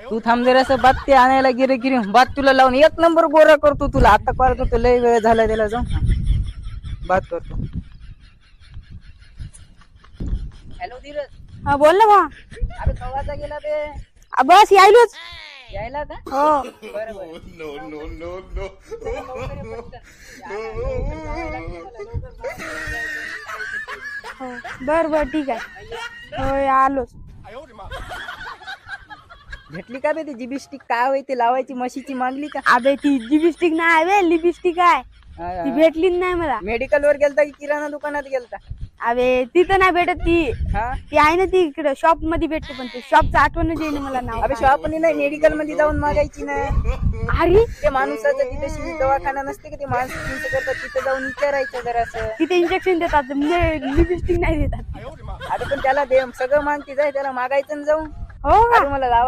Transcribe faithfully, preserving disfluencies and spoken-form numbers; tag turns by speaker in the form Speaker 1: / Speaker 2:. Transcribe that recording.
Speaker 1: तू थांब जरासं बात ते आणायला गिरे गिरी बात तुला लावून एक नंबर गोरा करतो तुला आता कॉल करतो लय वेळ झाला त्याला जाऊन बात करतो. हॅलो धीरज.
Speaker 2: हा बोल ना भा.
Speaker 1: अरे कवाचा गेला ते
Speaker 2: आ, बस यायलोच.
Speaker 1: यायला का
Speaker 2: हो
Speaker 1: बरं बरं
Speaker 3: No, no, no, no.
Speaker 2: हो बर बर ठीक आहे. होय आलोच.
Speaker 1: भेटली का बे ती जिबिस्टिक काय होय ते लावायची म्हशीची मागली का?
Speaker 2: अबे ती लिपस्टिक नाही बे लिपस्टिक आहे ती भेटलीच नाही मला.
Speaker 1: मेडिकल वर गेलता की किराणा दुकानात गेलता?
Speaker 2: अबे तिथं नाही भेटत ती
Speaker 1: हा
Speaker 2: ती आहे ना ती इकडे शॉप मध्ये भेटते पण ते शॉपचं आठवणच येईना मला नाव.
Speaker 1: अबे शॉपनी नाही मेडिकल मध्ये जाऊन मागायची ना.
Speaker 2: अरे
Speaker 1: ते माणसाचं तिथे शिवी दवाखाना नसते का ते माणसं तुमचं करतात तिथे जाऊन विचारायचं जरासं.
Speaker 2: तिथे इंजेक्शन देतात लिपस्टिक नाही देतात.
Speaker 1: अरे पण त्याला दे सगळं मागती जाय त्याला मागायचं ना जाऊन.
Speaker 2: हो का
Speaker 1: अरे मला लावा